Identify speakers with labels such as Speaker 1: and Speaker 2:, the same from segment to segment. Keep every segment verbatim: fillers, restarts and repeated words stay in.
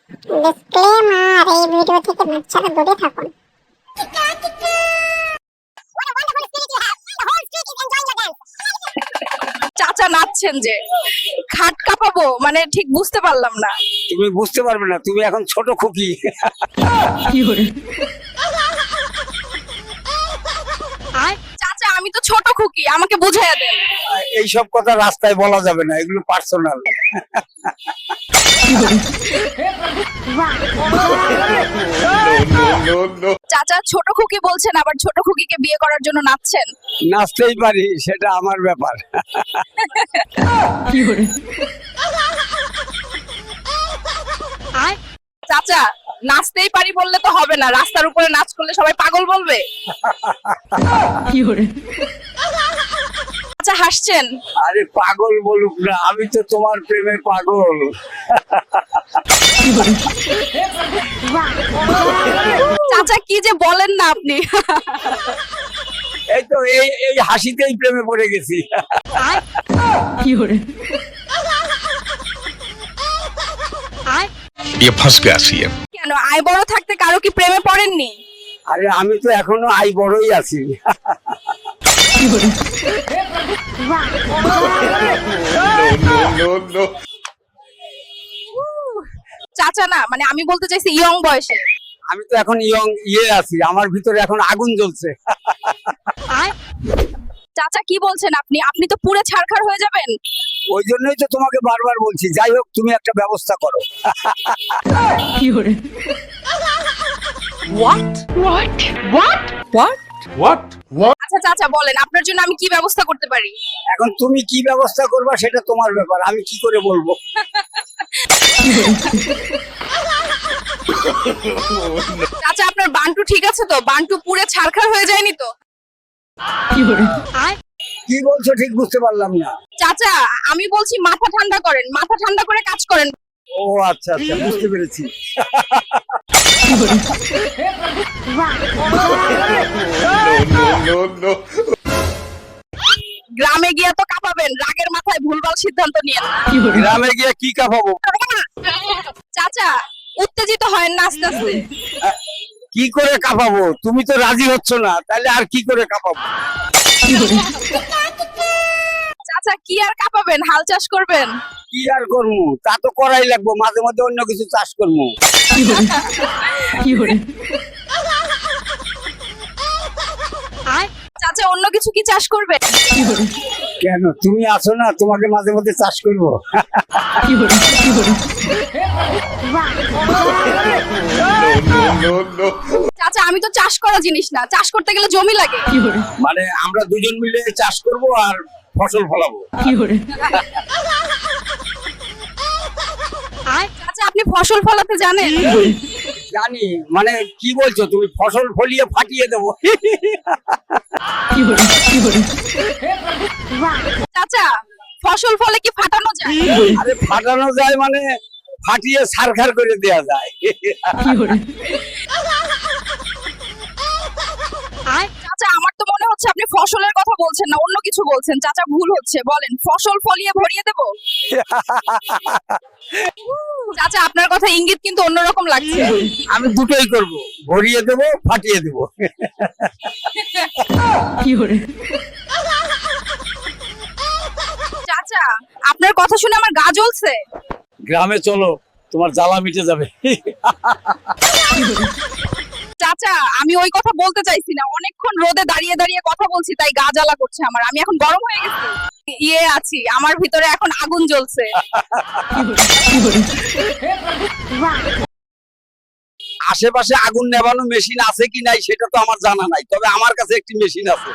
Speaker 1: Disclaimer, এই video থেকে বাচ্চারা দূরে থাকুন।
Speaker 2: চাচা নাচছেন যে, খাট কাঁপাবো মানে ঠিক বুঝতে পারলাম না।
Speaker 3: তুমি বুঝতে পারবে না, তুমি এখন ছোট খুকি।
Speaker 2: চাচা আমি তো ছোট খুকি, আমাকে বুঝাইয়া দেন।
Speaker 3: এইসব কথা রাস্তায় বলা যাবে না, এগুলো পার্সোনাল।
Speaker 2: চাচা ছোট খুকি বলছেন, আবার ছোট খুকিকে বিয়ে করার জন্য নাচছেন।
Speaker 3: নাচতেই পারি, সেটা আমার ব্যাপার।
Speaker 2: চাচা নাচতেই পারি বললে তো হবে না, রাস্তার উপরে নাচ করলে সবাই পাগল বলবে। আচ্ছা হাসছেন।
Speaker 3: আরে পাগল বলুক না, আমি তো তোমার প্রেমে পাগল।
Speaker 2: চাচা কি যে বলেন না আপনি।
Speaker 3: এই তো এই এই হাসিতেই প্রেমে পড়ে গেছি।
Speaker 4: ये फंस गया सीएम।
Speaker 2: কেন আয় বড় থাকতে কারো কি প্রেমে পড়েননি?
Speaker 3: আরে আমি তো এখনো আই বড়ই আছি।
Speaker 2: চাচা না মানে আমি বলতে চাইছি ইয়ং বয়সে।
Speaker 3: আমি তো এখন ইয়ং ইয়ে আছি, আমার ভিতরে এখন আগুন জ্বলছে।
Speaker 2: চাচা কি বলছেন আপনি? আপনি তো পুরো ছারখার হয়ে যাবেন।
Speaker 3: ওই জন্যই তো তোমাকে বারবার বলছি, যাই হোক তুমি একটা ব্যবস্থা করো।
Speaker 2: What? What? What? What?
Speaker 4: What? What?
Speaker 2: আচ্ছা চাচা বলেন আপনার জন্য আমি কি ব্যবস্থা করতে পারি?
Speaker 3: এখন তুমি কি ব্যবস্থা করবা সেটা তোমার ব্যাপার, আমি কি করে বলবো।
Speaker 2: চাচা আপনার বান্টু ঠিক আছে তো? বান্টু পুরো ছারখার হয়ে যায়নি তো?
Speaker 3: কি বলছো ঠিক বুঝতে পারলাম না।
Speaker 2: চাচা আমি বলছি মাথা ঠান্ডা করেন, মাথা ঠান্ডা করে কাজ করেন।
Speaker 3: ও আচ্ছা আচ্ছা, বুঝতে পেরেছি।
Speaker 2: গ্রামে গিয়ে তো কাঁপাবেন, রাগের মাথায় ভুলভাল সিদ্ধান্ত নিয়ে।
Speaker 3: গ্রামে গিয়ে কি কাঁপাবো?
Speaker 2: চাচা উত্তেজিত হয় না আস্তে আস্তে।
Speaker 3: কি করে কাঁপাবো? তুমি তো রাজি হচ্ছ না, তাহলে আর কি করে কাঁপাবো?
Speaker 2: চাচা কি আর কাঁপাবেন, হাল চাষ করবেন।
Speaker 3: কি আর করবো, তা তো করাই লাগবো, মাঝে মধ্যে অন্য কিছু চাষ করবো।
Speaker 2: চাচা অন্য কিছু কি চাষ করবে?
Speaker 3: কেন, তুমি আছো না, তোমাকে মাঝে মধ্যে চাষ করবো।
Speaker 2: চাচা আমি তো চাষ করা জিনিস না, চাষ করতে গেলে জমি লাগে।
Speaker 3: মানে আমরা দুজন মিলে চাষ করব আর ফসল ফলাবো।
Speaker 2: চাচা আপনি ফসল ফলাতে জানেন?
Speaker 3: জানি, মানে কি বলছো তুমি? ফসল ফলিয়ে ফাটিয়ে দেবো।
Speaker 2: চাচা ফসল ফলে কি ফাটানো যায়?
Speaker 3: আরে ফাটানো যায় মানে ফাটিয়ে সারখার করে দেয়া যায়।
Speaker 2: চাচা আমার তো মনে হচ্ছে আপনি ফসলের কথা বলছেন না, অন্য কিছু বলছেন। চাচা ভুল হচ্ছে, বলেন ফসল ফলিয়ে ভরিয়ে দেব। চাচা আপনার কথা ইঙ্গিত কিন্তু অন্যরকম লাগছে।
Speaker 3: আমি দুটোই করব, ভরিয়ে দেব, ফাটিয়ে দেব।
Speaker 2: চাচা আপনার কথা শুনে আমার গা জ্বলছে।
Speaker 3: গ্রামে চলো, তোমার জ্বালা মিটে যাবে।
Speaker 2: চাচা আমি ওই কথা বলতে চাইছি না, অনেকক্ষণ রোদে দাঁড়িয়ে দাঁড়িয়ে কথা বলছি তাই গা জ্বালা করছে আমার। আমি এখন গরম হয়ে গেছি, ইয়ে আছি, আমার ভিতরে এখন আগুন জ্বলছে।
Speaker 3: আশেপাশে আগুন নেভানো মেশিন আছে কি নাই সেটা তো আমার জানা নাই, তবে আমার কাছে একটি মেশিন আছে।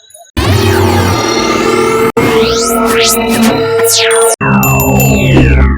Speaker 4: Yeah.